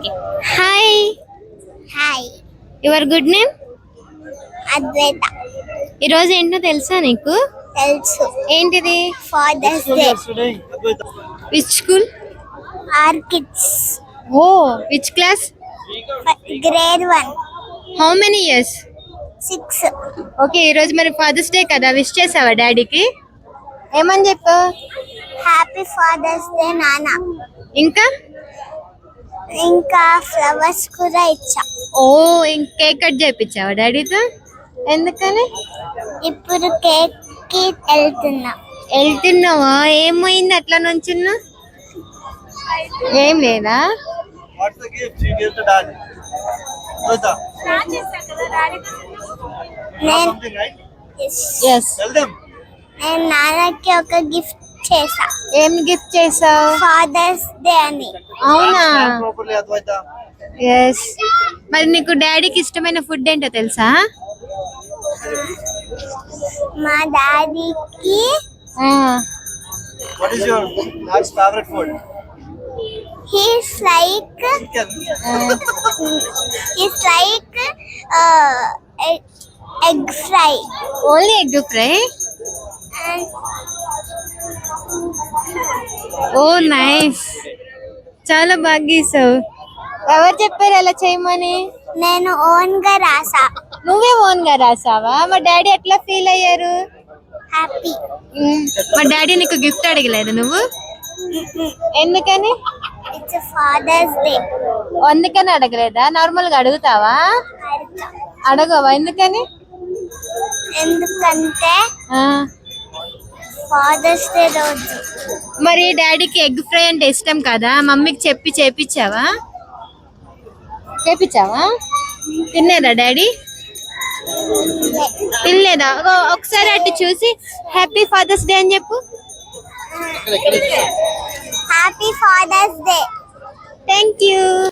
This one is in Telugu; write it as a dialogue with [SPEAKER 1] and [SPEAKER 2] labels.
[SPEAKER 1] Okay. Hi.
[SPEAKER 2] Hi.
[SPEAKER 1] Your good name?
[SPEAKER 2] Advaita.
[SPEAKER 1] ఈరోజు ఏంటో తెలుసా నీకు?
[SPEAKER 2] తెలుసు.
[SPEAKER 1] ఏంటిది?
[SPEAKER 2] Father's Day.
[SPEAKER 1] Which school?
[SPEAKER 2] Orchids.
[SPEAKER 1] Oh, which class?
[SPEAKER 2] Grade 1.
[SPEAKER 1] How many years?
[SPEAKER 2] 6.
[SPEAKER 1] Okay, ఈరోజు మరి ఫాదర్స్ డే కదా, విష్ చేసావా డాడీకి? ఏమని చెప్పావు?
[SPEAKER 2] హ్యాపీ ఫాదర్స్ డే నాన్న.
[SPEAKER 1] ఇంకా
[SPEAKER 2] ఫ్లవర్స్ కూడా ఇచ్చా.
[SPEAKER 1] ఓ, కేక్ కట్ చేయించావా డాడీతో? ఎందుకని?
[SPEAKER 2] ఇప్పుడు కేక్ కి
[SPEAKER 1] వెళ్తున్నావా? ఏమైంది అట్లా నుంచున్నా? ఏం లేదా?
[SPEAKER 2] నేను నాన్నకి ఒక గిఫ్ట్ చేసా.
[SPEAKER 1] ఏం గిఫ్ట్ చేసావు?
[SPEAKER 2] ఫాదర్స్ డే అని.
[SPEAKER 1] అవునా? ఎస్. మరి నీకు డాడీకి ఇష్టమైన ఫుడ్ ఏంటో తెలుసా?
[SPEAKER 2] మా డాడీకి
[SPEAKER 3] What is your dad's favorite food?
[SPEAKER 2] he's like egg fry.
[SPEAKER 1] Only egg fry?
[SPEAKER 2] And
[SPEAKER 1] oh nice, చాలా బాగా గీసావు. ఎవరు చెప్పారు అలా చేయమని?
[SPEAKER 2] నేను ఓన్ గా రాసా.
[SPEAKER 1] నువ్వే ఓన్ గా రాసావా? మా డాడీ ఎట్లా ఫీల్ అయ్యారు?
[SPEAKER 2] హ్యాపీ.
[SPEAKER 1] మా డాడీ నీకు గిఫ్ట్ అడగలేదు నువ్వు? ఎందుకని?
[SPEAKER 2] It's Father's Day.
[SPEAKER 1] అందుకని అడగలేదా? నార్మల్ గా అడుగుతావా? అడగవా? ఎందుకని?
[SPEAKER 2] ఎందుకంటే ఫాదర్స్ డే రోజు.
[SPEAKER 1] మరి డాడీకి ఎగ్ ఫ్రై అంటే ఇష్టం కదా, మమ్మీకి చెప్పి చేపించావా? తినేదా డాడీ? తినలేదా? ఒకసారి అటు చూసి హ్యాపీ ఫాదర్స్ డే అని చెప్పు.
[SPEAKER 2] Happy Father's Day.
[SPEAKER 1] Thank you.